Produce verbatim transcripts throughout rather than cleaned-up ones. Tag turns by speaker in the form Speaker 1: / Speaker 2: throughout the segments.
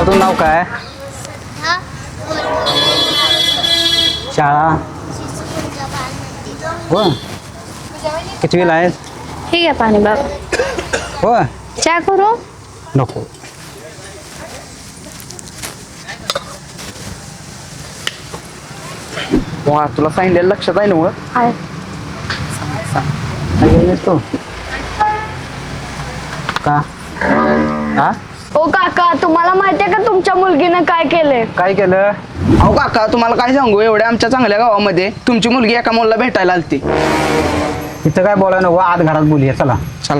Speaker 1: तुझं नाव काय? शाळा हो कितवीला आहेस?
Speaker 2: ठीक आहे पाणी बाबा.
Speaker 1: हो
Speaker 2: चहा करू?
Speaker 1: नको. वा तुला सांगितलेलं लक्षात आहे ना मग?
Speaker 2: आहे.
Speaker 1: तो का हा
Speaker 2: ओ काका, तुम्हाला माहितीये का तुमच्या मुलगीनं काय केलंय?
Speaker 1: काय केलं?
Speaker 3: अहो काका तुम्हाला काय सांगू, एवढ्या आमच्या चांगल्या गावामध्ये तुमची मुलगी एका मुलाला भेटायला आलती.
Speaker 1: इथं काय बोलाय नको, आत घरात बोलूया चला.
Speaker 3: चल.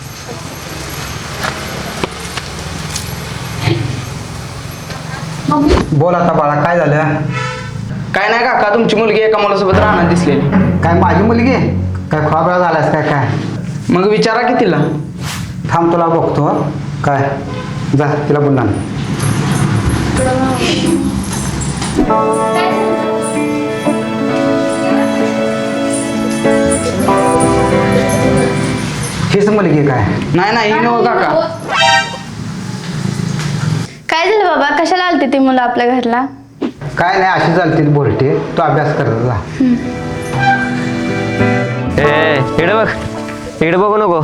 Speaker 1: बोल आता बाळा काय झालं?
Speaker 3: काय नाही काका, तुमची मुलगी एका मुलासोबत राहणार दिसलेली.
Speaker 1: काय माझी मुलगी काय खोबरा झालास काय काय?
Speaker 3: मग विचारा की तिला.
Speaker 1: थांब तुला बघतो हं. काय जा तिला बोलला हीच मुलगी काय?
Speaker 3: नाही नाही ही नव्ह काका.
Speaker 2: काय झालं बाबा, कशाला आलती ती मुलं आपल्या घरला?
Speaker 1: काय नाही अशी चालतील बोलते, तू अभ्यास करत जा.
Speaker 4: ए इकडे बघ, इकडे बघू नको.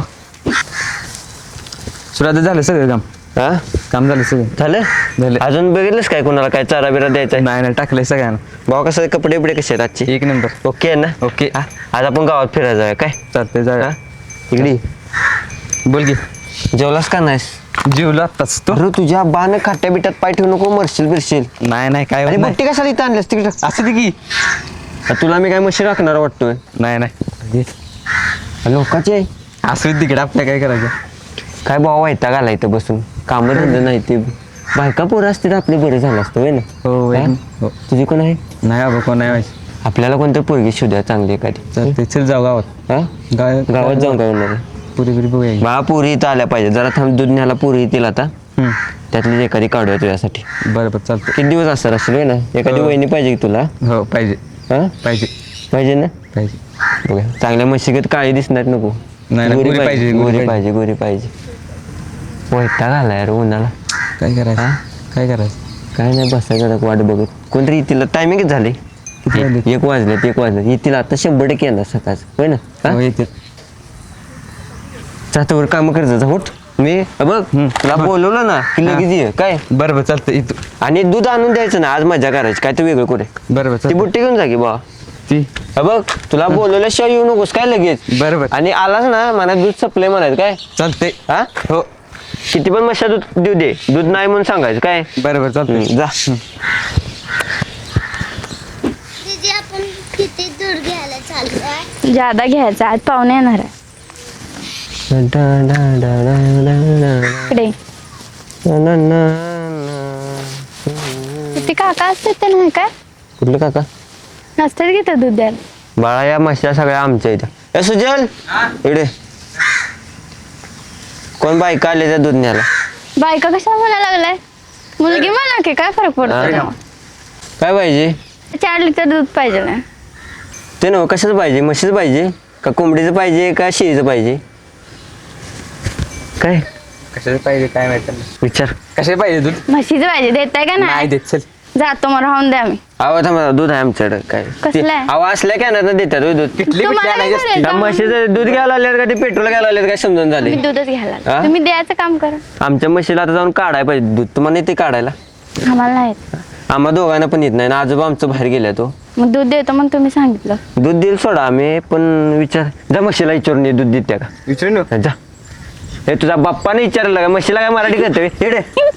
Speaker 5: सुरुवात झालं सगळं काम.
Speaker 4: हा
Speaker 5: काम झालं सगळं.
Speaker 4: झालं
Speaker 5: झालं.
Speaker 4: अजून बघितलंस काय कोणाला काय चारा बिरा द्यायचा आहे?
Speaker 5: नाही नाही टाकलंय सगळ्यांना.
Speaker 4: भाऊ कसं कपडे बिपडे कसे आहेत आजचे?
Speaker 5: एक नंबर.
Speaker 4: ओके आहे ना?
Speaker 5: ओके.
Speaker 4: हा, आज आपण गावात फिरायला जाऊया काय?
Speaker 5: चालतंय जाऊया.
Speaker 4: हा? इकडे ये.
Speaker 5: बोल की.
Speaker 4: जेवलास का नाहीस?
Speaker 5: जीवला आत्ताच तो.
Speaker 4: अरे तुझ्या बाण खाट्या बिट्यात पाय ठेवू नको, मरशील बिरशील.
Speaker 5: नाही नाही काय
Speaker 4: अरे
Speaker 5: होत नाही.
Speaker 4: बट्टी कशाला इथं आणल्यास तिकडे?
Speaker 5: असं दे की.
Speaker 4: तुला मी काय मशी राखणार वाटतोय?
Speaker 5: नाही नाही
Speaker 4: लोकाचे
Speaker 5: असं तिकडे आपल्या काय करायचं.
Speaker 4: काय भाऊ वैताग आला इथं बसून, कामं धंदे नाही ते. बायका पोरं असते तर आपले बरे झालं असतं होय ना?
Speaker 5: हो
Speaker 4: हा?
Speaker 5: हो.
Speaker 4: तुझी कोण आहे?
Speaker 5: नाही बाबा कोण नाही माहिती.
Speaker 4: आपल्याला कोणतं पोरगी शोधा चांगली एखादी.
Speaker 5: चालतंय चल जाऊ गावात.
Speaker 4: हा
Speaker 5: गाव
Speaker 4: गावात जाऊन काय होणार आहे?
Speaker 5: पुरी पुरी बघूया की.
Speaker 4: बा पुरी इथं आल्या पाहिजे, जरा थांब दूध न्यायला पुरी येतील आता.
Speaker 5: हम्म.
Speaker 4: त्यातली एखादी काढूया तुझ्यासाठी.
Speaker 5: बरं बरं चालतंय.
Speaker 4: किती दिवस असणार असेल होय ना? एखादी
Speaker 5: हो.
Speaker 4: वहिनी पाहिजे की तुला?
Speaker 5: हो पाहिजे
Speaker 4: हा
Speaker 5: पाहिजे
Speaker 4: पाहिजे ना?
Speaker 5: पाहिजे.
Speaker 4: बघा चांगल्या म्हशीगत काळी दिसणार नको.
Speaker 5: नाही, नाही, गोरी पाहिजे, गोरी
Speaker 4: गोरी पाहिजे गोरी पाहिजे. वैताग आला यार उन्हाला.
Speaker 5: काय करायचं
Speaker 4: हा?
Speaker 5: काय करायचं.
Speaker 4: काय नाही बसायचं वाट बघत. कोणतरी येतील, टायमिंगच झाले.
Speaker 5: किती वाजले?
Speaker 4: एक वाजले एक वाजले येतील आता, शंभर टक्के येणार सकाळ होय ना? हा?
Speaker 5: हो येते.
Speaker 4: जातावर काम करायचं जा उठ. मी अ बघ तुला बोलवलं ना की लगेच ये काय.
Speaker 5: बरं बरं चालतंय येतो.
Speaker 4: आणि दूध आणून द्यायचं ना, आज मजा करायची काय तर वेगळं कुठे.
Speaker 5: बरं बरं
Speaker 4: ती
Speaker 5: चालतंय.
Speaker 4: बुट्टी घेऊन जा की बा.
Speaker 5: ती
Speaker 4: अ बघ तुला बोलवल्याशिवाय येऊ नकोस काय लगेच.
Speaker 5: बरं बरं
Speaker 4: आणि आलास ना मला दूध सप्लाय म्हणायचं काय.
Speaker 5: चालतंय.
Speaker 4: हा
Speaker 5: हो
Speaker 4: किती पण मशा दूध देऊ दे, दूध नाही म्हणून सांगायचं काय.
Speaker 5: बरं बरं चालतंय.
Speaker 4: हम्म, जा.
Speaker 6: दीदी आपण किती दूर घ्यायला चाललो आहे?
Speaker 2: जादा घ्यायचा, आज पाहुणे येणार आहे. इकडे किती काका असतात ते नाही काय?
Speaker 4: कुठलं काका?
Speaker 2: नसतात घेतात दूध द्यायला.
Speaker 4: बाळा या मशा सगळ्या आमच्या इथं. ए सुजल इकडे कोण बायका आले त्या दूध न्यायला?
Speaker 2: बायका कशाला म्हणायला लागलाय? मुलगी म्हणा की काय फरक पडतो
Speaker 4: हा.
Speaker 2: तेव्हा?
Speaker 4: काय पाहिजे
Speaker 2: चार लिटर दूध पाहिजे ना.
Speaker 4: ते नव्ह, कशाचं पाहिजे? म्हशीचं पाहिजे का कोंबडीचं पाहिजे का शेळीचं पाहिजे? काय
Speaker 5: कशाचं पाहिजे काय माहिती.
Speaker 4: विचार.
Speaker 5: कशाचे पाहिजे दूध?
Speaker 2: म्हशीचं पाहिजे, देताय का
Speaker 5: नाही
Speaker 2: नाही?
Speaker 5: देत चल.
Speaker 2: जातो मग राहून द्या मी.
Speaker 4: आवाज थांबा, दूध आहे आमच्याकडे काय.
Speaker 2: कसलं आहे?
Speaker 4: आवाज असल्या काय ना देतात होय दूध.
Speaker 5: किटली
Speaker 2: तुम्हाला
Speaker 5: बिटली
Speaker 2: नाही
Speaker 5: आणायची असते.
Speaker 4: त्या म्हशीचं दूध घ्यायला आले का ते पेट्रोल घ्यायला आले काय समजून झाले.
Speaker 2: मी दूधच घ्यायला आले.
Speaker 4: हा?
Speaker 2: तुम्ही द्यायचं काम करा.
Speaker 4: आमच्या म्हशीला आता जाऊन काढायला पाहिजे दूध. तुम्हाला येते काढायला?
Speaker 2: आम्हाला नाही येत.
Speaker 4: आम्हा दोघांना पण येत नाही ना. आजोबा आमचं बाहेर गेल्या तो.
Speaker 2: मग दूध देतो मग तुम्ही सांगितलं.
Speaker 4: दूध देईल सोडा आम्ही, पण विचार जा म्हशीला विचारून ये दूध देत्या का.
Speaker 5: विचारू ना.
Speaker 4: जा. हे तुझा बाप्पाने विचारलं का म्हशीला काय मराठी करते हेडे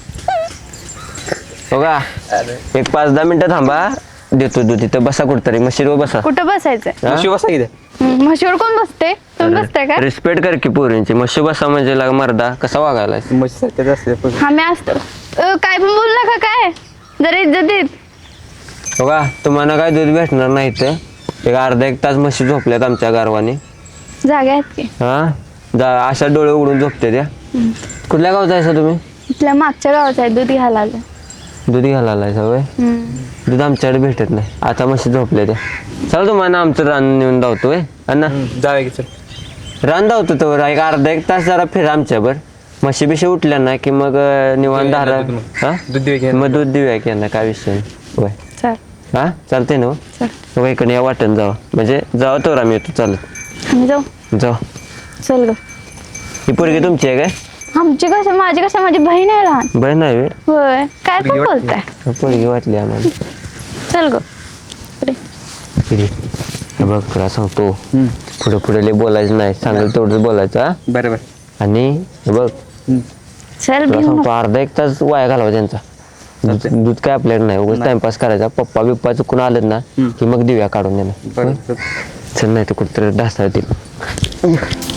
Speaker 4: हो का. एक पाच दहा मिनिटं थांबा, देतो दूध. इथं बसा कुठतरी म्हशीवर बसा.
Speaker 2: कुठं बसायचंय?
Speaker 4: हा?
Speaker 5: शिव बसा की ते.
Speaker 2: हम्म, म्हशीवर कोण बसते? तुम्ही बसताय का?
Speaker 4: रिस्पेक्ट कर की पोरींची. म्हशी बसा म्हणजे लागा मर्दा कसा वागायला.
Speaker 5: म्हशी सारख्याच असते पण.
Speaker 2: आम्ही असतो. अ, काय पण बोल नका काय, जरा इज्जत देत.
Speaker 4: हो का. तुम्हाला काय दूध भेटणार नाही तर एक अर्धा एक तास म्हशी झोपल्यात आमच्या गारवाने.
Speaker 2: जागा आहेत की.
Speaker 4: हा जा, अशा डोळे उघडून झोपते त्या. कुठल्या गावचा आहे तुम्ही?
Speaker 2: इथल्या मागच्या गावाचं आहे, दूध घ्यायला आलं.
Speaker 4: दूध घ्यायला आलाय सवय.
Speaker 2: हम्म.
Speaker 4: दूध आमच्याकडे भेटत नाही. आता म्हशी झोपल्या त्या. चला तुम्हाला आमचं रान नेऊन धावतोय अण्णा.
Speaker 5: जाऊया की चल.
Speaker 4: रान धावतो तर एक अर्धा एक तास जरा फिरा आमच्यावर. म्हशी बिशी उठल्या ना की मग अं, निवांत धारा
Speaker 5: दूध मग.
Speaker 4: हा
Speaker 5: दूध देऊया की?
Speaker 4: मग दूध देऊया की यांना काय विषय नाही. होय
Speaker 2: चल
Speaker 4: हा चालते ना
Speaker 2: चल
Speaker 4: हो इकडे या वाटण जावा म्हणजे जावा तर आम्ही येतो चालत
Speaker 2: आम्ही जाऊ
Speaker 4: जाऊ
Speaker 2: चल ग
Speaker 4: ही पोरगी तुमची आहे काय
Speaker 2: आमची कसं माझी कसं माझी बहीण आहे लहान
Speaker 4: बरं नाही व्हय?
Speaker 2: होय काय पण
Speaker 5: पोरगी वाटते.
Speaker 2: बोलताय
Speaker 4: पोरगी वाटली आम्हाला
Speaker 2: चल ग पुढे.
Speaker 4: किती? हे बघ तुला सांगतो पुढे पुढे लय बोलायचं नाही सांगेल तेवढंच बोलायचं हा
Speaker 5: बरं बरं
Speaker 4: आणि हे बघ
Speaker 2: चल
Speaker 4: तुला
Speaker 2: भिऊ
Speaker 4: सांगतो
Speaker 2: नको.
Speaker 4: अर्धा एक तास वाया घालवा त्यांचा दूध दूध काय आपल्याकडे नाही उगाच टाइमपास करायचा पप्पा बिप्पा चुकून आलं ना की मग देऊया काढून देणार
Speaker 5: बरं
Speaker 4: चल नाही तर कुठेतरी ढासळा येतील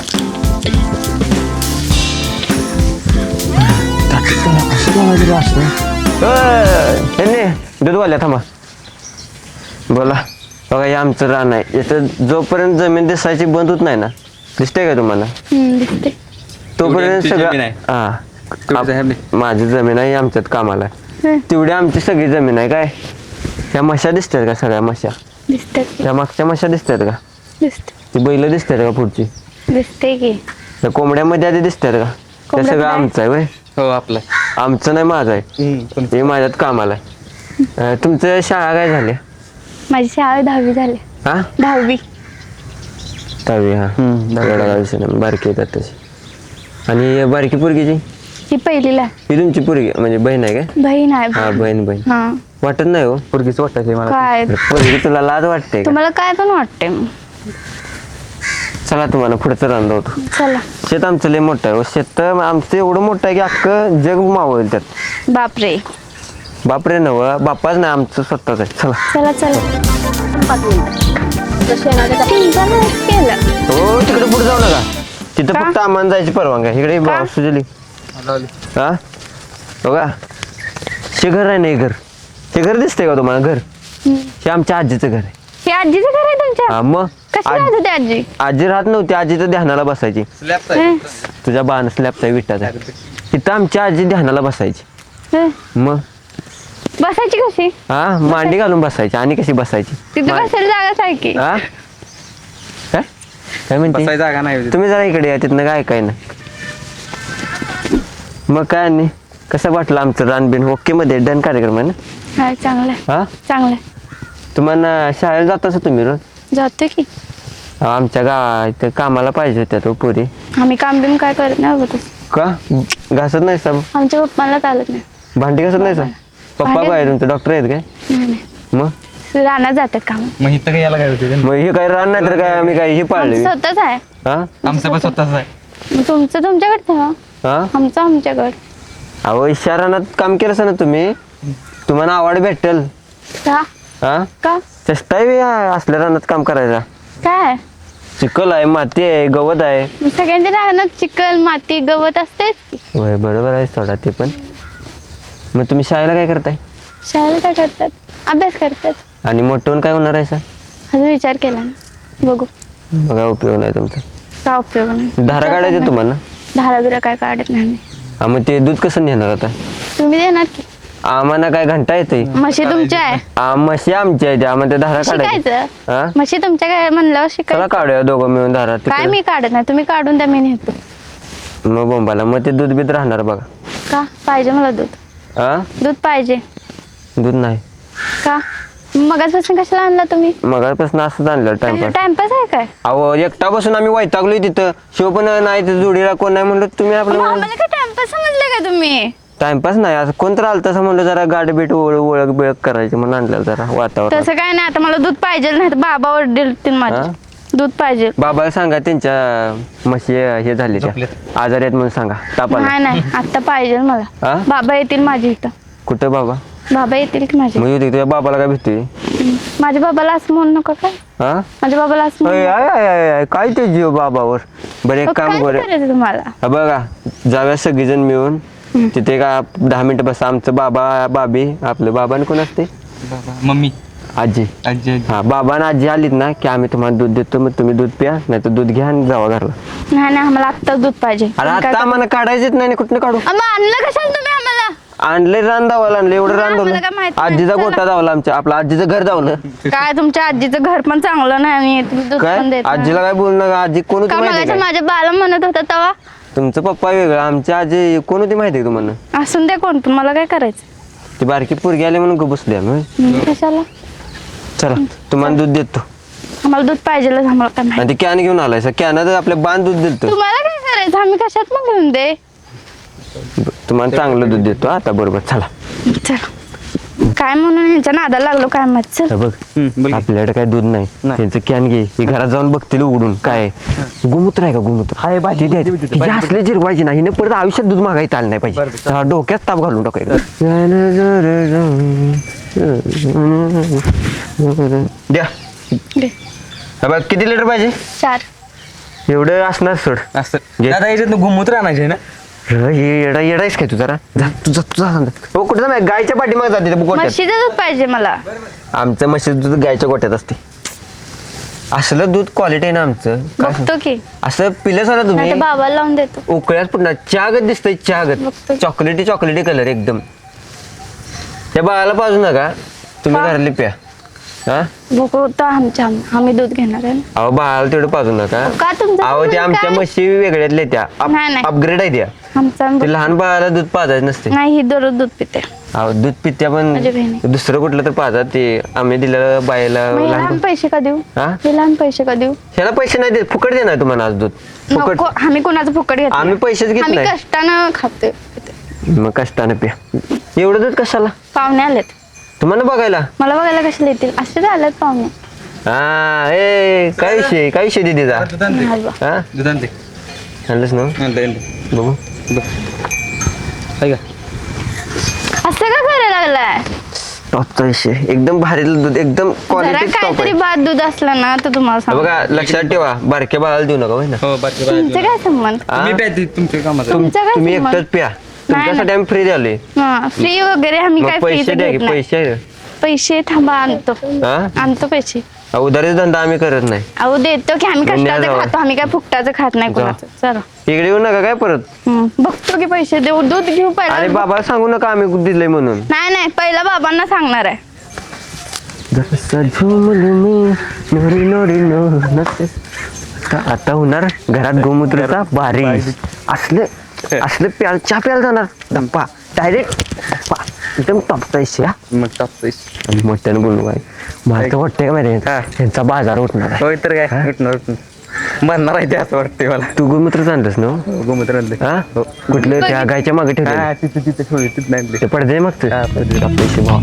Speaker 4: दूध वाल्या थांबा बोला बघा हे आमचं रान आहे याचं जोपर्यंत जमीन दिसायची बंद होत नाही ना दिसते का तुम्हाला
Speaker 2: हम्म, दिसते.
Speaker 4: तोपर्यंत
Speaker 5: आमची
Speaker 4: सगळं
Speaker 5: जमीन आहे.
Speaker 4: हा
Speaker 5: तेवढी आहे आपली.
Speaker 4: माझी जमीन आहे आमच्यात कामाला आहे.
Speaker 2: हं,
Speaker 4: तेवढी आमची सगळी जमीन आहे काय त्या म्हशा दिसतात का सगळ्या म्हशा
Speaker 2: दिसते की
Speaker 4: त्या मागच्या म्हशा दिसतात का
Speaker 2: दिसते
Speaker 4: ती बैल दिसतात का पुढची
Speaker 2: दिसते की
Speaker 4: त्या कोंबड्यामध्ये आधी दिसतात का त्या
Speaker 2: कोंबड्या
Speaker 4: सगळं
Speaker 2: पण आहे?
Speaker 4: आमचं आहे वय
Speaker 5: हो आपलं
Speaker 4: आमचं नाही माझं आहे हे माझ्यात कामाला आहे अं, तुमचं शाळा काय झाली
Speaker 2: माझी शाळा दहावी झाली
Speaker 4: हा
Speaker 2: दहावी
Speaker 4: दहावी हा एवढा काय विषय नाही बारकी येतात तशी आणि बारकी पोरगीची
Speaker 2: ही पहिलीला आहे.
Speaker 4: ही तुमची पोरगी म्हणजे बहीण आहे काय
Speaker 2: बहीण आहे
Speaker 4: हा
Speaker 2: बहीण.
Speaker 4: बहीण बहीण
Speaker 2: हा
Speaker 4: वाटत नाही हो
Speaker 5: पोरगीच वाटायची मला
Speaker 2: काय
Speaker 4: पोरगी तुला लाज वाटते का
Speaker 2: तुम्हाला काय पण वाटते मग?
Speaker 4: चला तुम्हाला पुढचं रान होतो
Speaker 2: चला
Speaker 4: शेत आमचं लय मोठं आहे हो. शेत आमचं एवढं मोठं आहे की अख्खं जग मावळ त्यात
Speaker 2: बापरे
Speaker 4: बापरे नव बापाच नाही आमचं स्वतःच आहे चला
Speaker 2: चला चला चिंता नाही केलं
Speaker 4: हो तिकडे पुढे जाऊ नका तिथं
Speaker 2: का?
Speaker 4: फक्त आम्हाला जायची परवानगी आहे. इकडे
Speaker 2: का?
Speaker 4: सुजली हा बघा हे घर आहे ना हे घर हे घर दिसतंय का तुम्हाला घर
Speaker 2: हम्म.
Speaker 4: हे आमच्या आजीचं घर आहे
Speaker 2: हे आजीचं घर आहे तुमच्या
Speaker 4: हा मग
Speaker 2: कशी
Speaker 4: आज-
Speaker 2: राहत होती आजी
Speaker 4: आजी राहत नव्हती आजीचं ध्यानाला बसायची
Speaker 2: हं,
Speaker 4: तुझ्या बाण स्लॅबचा विटाचा तिथं आमची आजी ध्यानाला बसायची
Speaker 2: हं.
Speaker 4: मग
Speaker 2: बसायची कशी
Speaker 4: हा मांडी घालून बसायची आणि कशी बसायची
Speaker 2: तिथे
Speaker 4: मा-
Speaker 2: बसायला जागाच आहे की
Speaker 4: हा काय काय म्हणते
Speaker 5: बसायची जागा नाही होती.
Speaker 4: तुम्ही जरा इकडे या तिथनं काय काय ना मग काय नाही कसं वाटलं आमचं रानबीन ओके मध्ये डन कार्यक्रम आहे ना
Speaker 2: हा चांगलं आहे
Speaker 4: हा
Speaker 2: चांगलं आहे
Speaker 4: तुम्हाला शाळेला जात असं तुम्ही रोज
Speaker 2: जातो की
Speaker 4: अहो, आमच्या गावात इथं कामाला पाहिजे होत्या तो पुरी
Speaker 2: आम्ही काम बिम काय करत नाही बघ
Speaker 4: का घासत नाही सब
Speaker 2: आमच्या पप्पाला चालत नाही
Speaker 4: भांडी घासत नाही सर पप्पा
Speaker 2: भांडी-
Speaker 4: काय तुमचे डॉक्टर आहेत काय
Speaker 2: नाही, नाही.
Speaker 4: मग
Speaker 2: रानात जातात काम
Speaker 5: मग इथं काय यायला काय होते
Speaker 4: मग हे काय रान नाही तर काय आम्ही काय हे पाळले
Speaker 2: स्वतःच आहे
Speaker 4: हा
Speaker 5: आमचं पण स्वतःच आहे
Speaker 2: मग तुमचं तुमच्याकडचं ना
Speaker 4: हा
Speaker 2: आमचं आमच्याकडं
Speaker 4: अहो शहरात काम केलं ना तुम्ही तुम्हाला आवड भेटेल
Speaker 2: का
Speaker 4: हा
Speaker 2: का
Speaker 4: चेष्टा आहे बे या असल्या रानात काम करायचा
Speaker 2: काय
Speaker 4: चिखल आहे माती आहे गवत आहे
Speaker 2: मग सगळ्यांच्या रानात चिखल माती गवत असतेच की.
Speaker 4: होय बरोबर आहे थोडा ते पण मग तुम्ही शाळेला काय करताय
Speaker 2: शाळेला काय करतात अभ्यास करतात
Speaker 4: आणि मोठं होऊन काय होणार आहे सर
Speaker 2: अजून विचार केला ना बघू
Speaker 4: बघा उपयोग नाही तुमचा
Speaker 2: का उपयोग नाही
Speaker 4: धारा काढायचे तुम्हाला
Speaker 2: धारा बिरा काय काढत नाही आम्ही.
Speaker 4: हा मग ते दूध कसं नेणार आता
Speaker 2: तुम्ही देणार की
Speaker 4: आम्हाला काय घंटा येते
Speaker 2: म्हशी तुमच्या आहे
Speaker 4: म्हशी आमच्या आहेत आम्हाला ते धारा काढायची
Speaker 2: शिकायचं
Speaker 4: हा
Speaker 2: म्हशी तुमच्या काय म्हणल्यावर
Speaker 4: चला
Speaker 2: शिकायचं
Speaker 4: काढूया दोघं मिळून धारा
Speaker 2: काय
Speaker 4: तिकडे.
Speaker 2: मी काढत नाही तुम्ही काढून द्या मी नेतो
Speaker 4: मग बोंबाला मग ते दूध बीत राहणार बघा
Speaker 2: का पाहिजे मला दूध
Speaker 4: हा
Speaker 2: दूध पाहिजे
Speaker 4: दूध नाही
Speaker 2: का मगाचपासून कशाला आणला तुम्ही
Speaker 4: मगापासून असंच आणलं टाइमपास
Speaker 2: टाइमपास आहे काय
Speaker 4: अहो एकटा बसून आम्ही वैतागलोय तिथं शिव पण नाही ते जोडीला कोण नाही म्हणलं तुम्ही
Speaker 2: मग
Speaker 4: आपलं
Speaker 2: आम्हाला काय टाइमपास समजले का तुम्ही
Speaker 4: टाइमपास नाही असं कोण तर आलं तसं म्हणलं जरा गाडी बीट ओळख ओळख बिळख करायची म्हणून आणलं जरा वातावरण
Speaker 2: तसं काय नाही आता मला दूध पाहिजे नाही तर बाबा ओरडतील
Speaker 4: हा?
Speaker 2: माझे दूध पाहिजे
Speaker 4: बाबाला सांगा त्यांच्या म्हशी हे झाली त्या
Speaker 5: झोपल्यात.
Speaker 4: आजारी आहेत म्हणून सांगा तापाला
Speaker 2: नाही नाही आता पाहिजे मला
Speaker 4: हा?
Speaker 2: बाबा येतील माझ्या इथं
Speaker 4: कुठं बाबा
Speaker 2: बाबा येतील की माझे
Speaker 4: मग येऊ तुझ्या बाबाला काय भीती
Speaker 2: माझ्या बाबाला असं म्हणू नका काय
Speaker 4: हा
Speaker 2: माझ्या बाबाला असं म्हणू
Speaker 4: अय,
Speaker 2: नका.
Speaker 4: आय, आय, आय, आय, काय ते जीव बाबावर बरं एक
Speaker 2: मग
Speaker 4: काम
Speaker 2: काय
Speaker 4: कर
Speaker 2: करायचं तुम्हाला
Speaker 4: हा बघा जाऊया सगळीजण मिळून तिथे का दहा मिनिटं बस आमचं बाबा बाबी आपलं बाबाने कोण असते
Speaker 5: बाबा मम्मी
Speaker 4: आजी
Speaker 5: आजी आजी.
Speaker 4: हा बाबा आणि आजी आलीत ना की आम्ही तुम्हाला दूध देतो मग तुम्ही दूध प्या नाही तर दूध घ्या आणि जावा घरला
Speaker 2: नाही नाही आम्हाला आत्ता दूध पाहिजे
Speaker 4: अरे
Speaker 2: तुम्ही काय
Speaker 4: आता आम्हाला काढायचेच नाही कुठनं काढू
Speaker 2: करता? मग आणलं कशाला तुम्ही आम्हाला
Speaker 4: आणले रान दावाला आणले एवढं रान
Speaker 2: आम्हाला
Speaker 4: दावलं
Speaker 2: काय माहित नाही.
Speaker 4: आजीचा
Speaker 2: चला.
Speaker 4: गोटा दावला आमच्या आपलं आजीचं घर दावलं
Speaker 2: काय तुमच्या आजीचं घर पण चांगलं नाही आणि तुम्ही दूध पण
Speaker 4: काय
Speaker 2: देत नाही.
Speaker 4: आजीला काय बोलू नका आजी कोण होती
Speaker 2: का
Speaker 4: माहिती
Speaker 2: मगाच्या
Speaker 4: काय
Speaker 2: माझ्या बाला म्हणत होता तेव्हा
Speaker 4: तुमचं पप्पा वेगळं, आमच्या आजी कोण होती माहिती आहे का तुम्हाला?
Speaker 2: असून द्या कोण पण, मला काय करायचं?
Speaker 4: ती बारकी पोरगी आली म्हणून गं बसली आम्ही.
Speaker 2: हम्म, कशाला?
Speaker 4: चला तुम्हाला दूध देतो.
Speaker 2: आम्हाला दूध पाहिजेलच, आम्हाला काय माहिती.
Speaker 4: आणि ती कॅन घेऊन आलाय कॅनात आपल्या बांध दूध दिलतो.
Speaker 2: तुम्हाला काय करायचं? आम्ही कशात मग घेऊन दे.
Speaker 4: तुम्हाला चांगलं दूध देतो आता बरोबर. चला
Speaker 2: चल काय म्हणून ह्यांच्या नादाला लागलो काय माहित. चल
Speaker 4: हे बघ
Speaker 5: बोल की.
Speaker 4: आपल्याकडे काय दूध नाही,
Speaker 5: नाही.
Speaker 4: त्यांचं कॅन घे. ही घरात जाऊन बघतील उघडून काय आहे. गोमूत्र आहे का? गोमूत्र हाय भाजी द्यायची असले जिरवायची नाही ना, परत आयुष्यात दूध मागायचं आलं नाही पाहिजे. हा, डोक्यात ताप घालून टाकायचं. द्या
Speaker 2: दे.
Speaker 4: हा बघ किती लिटर पाहिजे?
Speaker 2: चार.
Speaker 5: एवढं
Speaker 4: असणार सोड.
Speaker 5: असं
Speaker 4: घे.
Speaker 5: दादा याच्यात गोमूत्र आणायचे ना.
Speaker 4: हे येडा येडायस काय तू जरा जा तू जा तू जा हो कुठं जा गायच्या पाठीमागे जाते त्या गोट्यात.
Speaker 2: म्हशीचं दूध पाहिजे मला.
Speaker 4: आमचं म्हशीचं दूध गायच्या गोट्यात असते. असलं दूध क्वालिटी आहे ना आमचं. काय सांग-
Speaker 2: बघतो की
Speaker 4: असं पिलंच ना तुम्ही
Speaker 2: नाही बाबाला लावून देतो.
Speaker 4: उकळ्यात पुन्हा चहागत दिसतंय चहागत.
Speaker 2: बघतो.
Speaker 4: चॉकलेटी चॉकलेटी कलर एकदम. त्या बाळाला पाजू नका तुम्ही
Speaker 2: का?
Speaker 4: घरातली प्या. हा
Speaker 2: बघू तर आमच्या आम्ही दूध घेणार आहे ना.
Speaker 4: अहो बाळाला तेवढं पाजू नका.
Speaker 2: का तुमचं
Speaker 4: अहो त्या
Speaker 2: म्हणणं
Speaker 4: आमच्या
Speaker 2: काय?
Speaker 4: म्हशी वेगळ्यातल्या त्या
Speaker 2: नाही, नाही.
Speaker 4: अपग्रेड आहे त्या.
Speaker 2: आमचा
Speaker 4: ते लहान बाळाला दूध पाजायचं नसते.
Speaker 2: नाही ही दररोज दूध पिते.
Speaker 4: अहो दूध पित्या पण
Speaker 2: माझी बहिणी.
Speaker 4: दुसरं कुठलं तर पाजा. ते आम्ही दिलेलं बायला
Speaker 2: मग हे
Speaker 4: लहान
Speaker 2: लहान पैसे का देऊ?
Speaker 4: हा?
Speaker 2: हे लहान पैसे का देऊ?
Speaker 4: ह्याला पैसे नाही देत, फुकट देणार तुम्हाला आज दूध फुकट.
Speaker 2: नको आम्ही कोणाचं फुकट घेत
Speaker 4: आम्ही पैसेच घेत
Speaker 2: आम्ही
Speaker 4: नाही.
Speaker 2: कष्टानं खाते.
Speaker 4: मग कष्टाने प्या. एवढं दूध कशाला
Speaker 2: पाहुणे आलेत
Speaker 4: तुम्हाला बघायला?
Speaker 2: मला बघायला कशाला येतील? असेच आलेत पाहुणे.
Speaker 4: हा ए काय विषय काय विषय दिदीचा?
Speaker 5: दूध आणते
Speaker 2: नाही बा.
Speaker 4: हा
Speaker 5: दूध आणते
Speaker 4: आणलंच ना
Speaker 5: आणते आणते
Speaker 4: बघू.
Speaker 5: आहे का?
Speaker 2: असं का करायला लागलाय?
Speaker 4: टॉपचा विषय एकदम भारी दूध एकदम
Speaker 2: जरा
Speaker 4: क्वालिटी टॉप
Speaker 2: काहीतरी
Speaker 4: आहे.
Speaker 2: बाद दूध असलं ना तर तुम्हाला सांग.
Speaker 4: बघा लक्षात ठेवा बारक्या बाळाला देऊ नका होय ना.
Speaker 5: हो बाकी
Speaker 2: तुमचे काय संबंध?
Speaker 4: हा?
Speaker 5: तुम्ही प्या ती तुमच्या कामाचं.
Speaker 4: तुम-
Speaker 2: तुमचं काय
Speaker 4: तुम्ही
Speaker 2: संबंध?
Speaker 4: एकटंच प्या. तुमच्यासाठी
Speaker 2: नाही.
Speaker 4: आम्ही फ्री द्यालोय.
Speaker 2: हा फ्री वगैरे आम्ही
Speaker 4: मग
Speaker 2: काय
Speaker 4: पैसे
Speaker 2: फ्री
Speaker 4: द्या की
Speaker 2: घेत नाही.
Speaker 4: पैसे.
Speaker 2: पैसे थांबा आणतो.
Speaker 4: हा
Speaker 2: आणतो पैसे.
Speaker 4: उधारी धंदा आम्ही करत नाही.
Speaker 2: अहो देतो की आम्ही
Speaker 4: मग न्या
Speaker 2: कष्टाचं
Speaker 4: जावं.
Speaker 2: खातो. आम्ही काय फुकटाचं खात नाही
Speaker 4: जा.
Speaker 2: कोणाचं. चला
Speaker 4: इकडे येऊ नका काय परत.
Speaker 2: हम्म, बघतो की पैसे देऊ. दूध घेऊ
Speaker 4: आणि
Speaker 2: पहिला.
Speaker 4: बाबा सांगू नका आम्ही दिलंय म्हणून.
Speaker 2: नाही नाही पहिला बाबांना सांगणार आहे.
Speaker 4: जसं झुमलं मी नोरी नोरी नो नसे. आता आता होणार घरात गोमूत्राचा बारी. असले असले प्याल चहा प्यायला जाणार डप्पा डायरेक्ट एकदम टॉपचा विषय. हा
Speaker 5: मग टाकतोय.
Speaker 4: आणि मोठ्यानं बोलू काय मला तर वाटतंय का माहिती
Speaker 5: हा.
Speaker 4: त्यांचा बाजार उठणार आहे.
Speaker 5: होय तर काय उठणार उठणार मरणार आहे ते असं वाटतंय मला.
Speaker 4: तू गोमूत्र आणलंस ना
Speaker 5: हो, गोमूत्र आणले.
Speaker 4: हा कुठलं त्या गायच्या मागे ठेवलं
Speaker 5: हा तिथे तिथे ठेवली तिथे आणले.
Speaker 4: ते पडदे मग
Speaker 5: हा, पडदे.
Speaker 4: पैसे भाव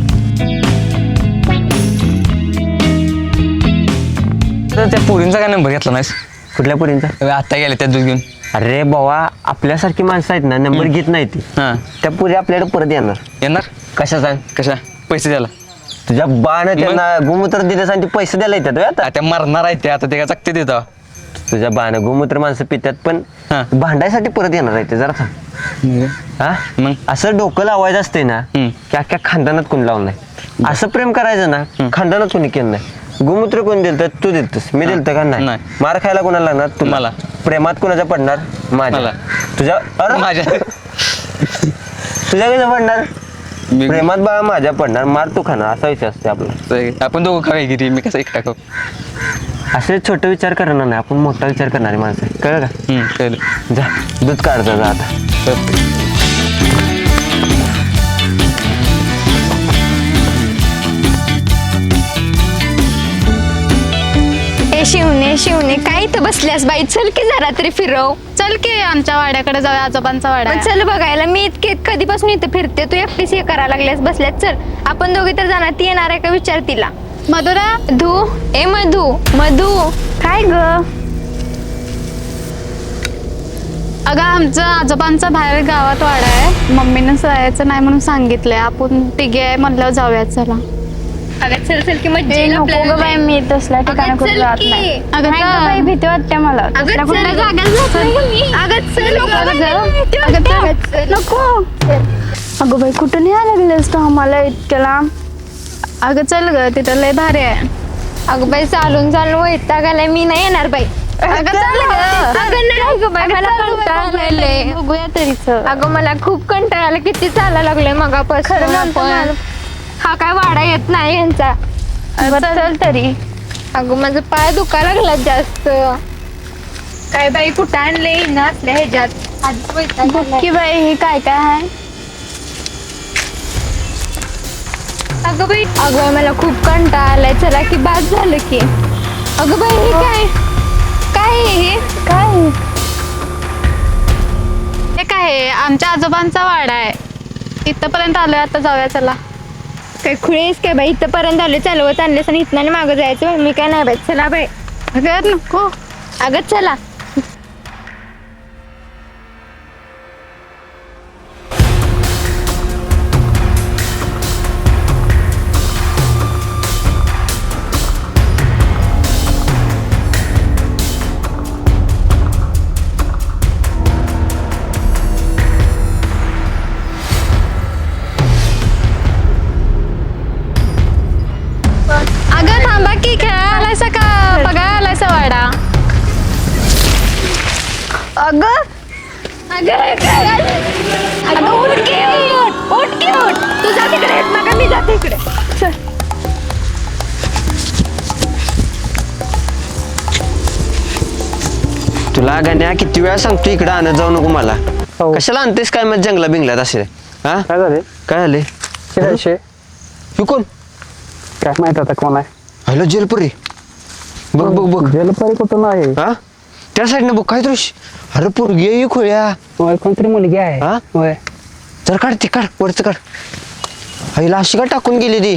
Speaker 5: तर त्या पोरींचा काय नंबर घेतला नाहीस?
Speaker 4: कुठल्या पुरींचा?
Speaker 5: आता गेले त्या दूध घेऊन.
Speaker 4: अरे बाबा आपल्यासारखी माणसं आहेत ना नंबर घेत नाही ती.
Speaker 5: हा
Speaker 4: त्या पुरी आपल्याकडे परत येणार.
Speaker 5: येणार
Speaker 4: कशा सांग?
Speaker 5: कशा पैसे द्यायला?
Speaker 4: तुझ्या बाण त्यांना गोमूत्र दिले आणि ते पैसे द्यायला येतात होय आता.
Speaker 5: आता मरणार आहे ते आता ते काय चकते देता.
Speaker 4: तुझ्या बाण गोमूत्र माणसं पितात पण
Speaker 5: हा.
Speaker 4: भांडायसाठी परत येणार आहे ते जरा थांब. हा
Speaker 5: मग?
Speaker 4: असं डोकं लावायचं असते ना
Speaker 5: हम्म.
Speaker 4: की अख्ख्या खानदानात कोणी लावलं नाही. असं प्रेम करायचं ना खानदानात कोणी केलं नाही. गोमूत्र कोण दिलं तू दिलतस मी दिलतं का नाही?
Speaker 5: नाही.
Speaker 4: मार खायला कोणाला लागणार तुला?
Speaker 5: मला.
Speaker 4: प्रेमात कोणाच्या पडणार? माझ्या.
Speaker 5: मला.
Speaker 4: तुझ्या अरे
Speaker 5: माझ्या
Speaker 4: तुझ्या कसं पडणार?
Speaker 5: मी-
Speaker 4: प्रेमात बा माझ्या पडणार मार तू खाणार असा विषय असते आपला.
Speaker 5: आपण दोघं खावे गिरी मी कसं एकटा खाऊ.
Speaker 4: असे छोटे विचार करणार नाही आपण मोठा विचार करणारी माणसं आहे. कळलं का?
Speaker 5: हम्म, कळलं.
Speaker 4: जा दूध काढता जा आता.
Speaker 2: ए शिवणे शिवणे काय इथं बसल्यास बाई? चल की जरा तरी फिरव.
Speaker 7: चल की आमच्या वाड्याकडे जाऊया, आजोबांचा वाडा
Speaker 2: मग
Speaker 7: आहे.
Speaker 2: चल बघायला. मी इतके कधीपासून इथं फिरते. तू एकटीच हे करायला लागल्यास बसल्यास. चल आपण दोघे तर जाणार. ती येणार आहे का विचार तिला.
Speaker 7: मधुरा
Speaker 2: मधू ए मधू मधू काय ग?
Speaker 7: अगं आमचं आजोबांचा बाहेर गावात वाडा आहे. मम्मीनं जायचं नाही म्हणून सांगितलंय. आपण तिघे आहे म्हणल्यावर जाऊया. चला
Speaker 2: अगं चल चल की मज्जा
Speaker 7: ए,
Speaker 2: येईल
Speaker 7: नको
Speaker 2: आपल्याला.
Speaker 7: गं बाई, मी तसल्या
Speaker 2: अगं,
Speaker 7: ठिकाणी कुठे
Speaker 2: चल
Speaker 7: जात
Speaker 2: की.
Speaker 7: नाही.
Speaker 2: अगं,
Speaker 7: नाही
Speaker 2: चल.
Speaker 7: गं बाई, भीती वाटते मला.
Speaker 2: अगं
Speaker 7: तसल्या
Speaker 2: चल
Speaker 7: कुठल्या
Speaker 2: जागाच जात नाही गं मी. अगं चल नको
Speaker 7: अगं,
Speaker 2: बाई,
Speaker 7: चल.
Speaker 2: भीती
Speaker 7: अगं,
Speaker 2: वाटते.
Speaker 7: चल. नको अगं बाई कुठं नाही लागलेस तू आम्हाला इतक्या लांब. अगं चल ग तिथं लय भारी आहे.
Speaker 2: अगं बाई चालून चालून वैताग आलाय. मी नाही येणार बाई.
Speaker 7: अगं चल गं.
Speaker 2: अगं नाही गं बाई,
Speaker 7: अगं,
Speaker 2: मला
Speaker 7: चल गं बाई,
Speaker 2: कंटाळा
Speaker 7: बघूया
Speaker 2: आलाय.
Speaker 7: तरी, बघूया तरी चल.
Speaker 2: अगं मला खूप कंटाळा आला. किती चालायला लागलोय मगापासून.
Speaker 7: खरं म्हणतो
Speaker 2: आपण.
Speaker 7: मला.
Speaker 2: हा काय वाडा येत नाही यांचा.
Speaker 7: बरं, चल तरी.
Speaker 2: अगं माझं पाय दुखायला लागला जास्त. काय बाई कुठं आणले ना असल्या ह्याच्यात आधीच वैताग
Speaker 7: बघ
Speaker 2: आलाय.
Speaker 7: की बाई हे काय काय आहे.
Speaker 2: अगं बाई अगं बाई, मला खूप कंटाळा आलाय चला की बाद झालं की. अगं बाई हे काय काय आहे हे
Speaker 7: काय हे काय आहे? आमच्या आजोबांचा वाडा आहे. इथपर्यंत आलोय, आता जाऊया चला.
Speaker 2: काय खुळेस काय बाई इथंपर्यंत आले चालवत आणलेस आणि इथनं मागं जायचं मी काय नाही बाई चला बाई.
Speaker 7: अगं नको.
Speaker 2: अगं चला.
Speaker 7: अगं थांबा की, खेळायला आलायसा का बघायला आलायसा वाडा?
Speaker 2: अगं अगं काय अगं उठ की उठ उठ की उठ तू जा तिकडे मग मी जाते इकडे चल.
Speaker 4: तुला गाण्या किती वेळा सांगतो इकडं आणत जाऊ नको मला.
Speaker 1: हो.
Speaker 4: कशाला आणतेस काय मग जंगला बिंगलात असे? हा
Speaker 1: काय झाले
Speaker 4: काय झाले?
Speaker 1: शिरायचे
Speaker 4: ही कोण?
Speaker 1: काय माहित आता कोण आहे.
Speaker 4: हॅलो जेलपुरी, बघ बघ बघ.
Speaker 1: जलपरी कुठून आहे.
Speaker 4: हा त्या साईडनं बघ काय दृश्य. अरे पोरगी आहे ही खोळ्या.
Speaker 1: होय कोणतरी मुलगी आहे.
Speaker 4: हा?
Speaker 1: होय
Speaker 4: जर काढ ती काढ वरचं काढ. आईला अशी का टाकून गेली ती?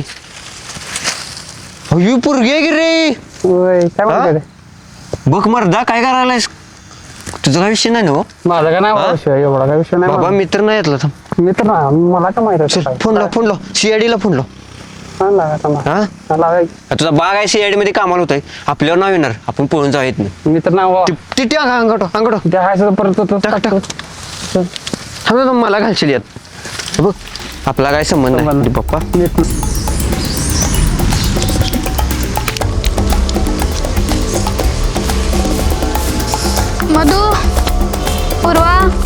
Speaker 4: ही पोरगी आहे की रे?
Speaker 1: होय काय
Speaker 4: हा?
Speaker 1: म्हणते
Speaker 4: बघ मर्दा काय करायलायस? तुझा काय विषय नाही ना हो?
Speaker 1: माझा काय नाही
Speaker 4: हा?
Speaker 1: विषय एवढा काय विषय नाही
Speaker 4: बाबा
Speaker 1: माझा.
Speaker 4: मित्र नाही येतला थांब.
Speaker 1: मित्र ना मला काय माहित
Speaker 4: चल फोन लाव फोन लाव सीआयडी ला फोन लाव.
Speaker 1: हा
Speaker 4: हा
Speaker 1: लावा.
Speaker 4: तुझा बाग आहे सीआयडी मध्ये कामाला होत आहे. आपल्यावर नाव येणार, आपण पळून जाऊ येत नाही.
Speaker 1: मित्र ना हो.
Speaker 4: ती ती अंगठो अंगठो
Speaker 1: त्या हायचं परत तो
Speaker 4: टाक,
Speaker 1: टाकतो. चल.
Speaker 4: थांब थांब, मला घालशील यात. बघ आपला काय संबंध
Speaker 1: संबंध
Speaker 4: नाही पप्पा.
Speaker 1: मित्र
Speaker 7: मधू, पूर्वा,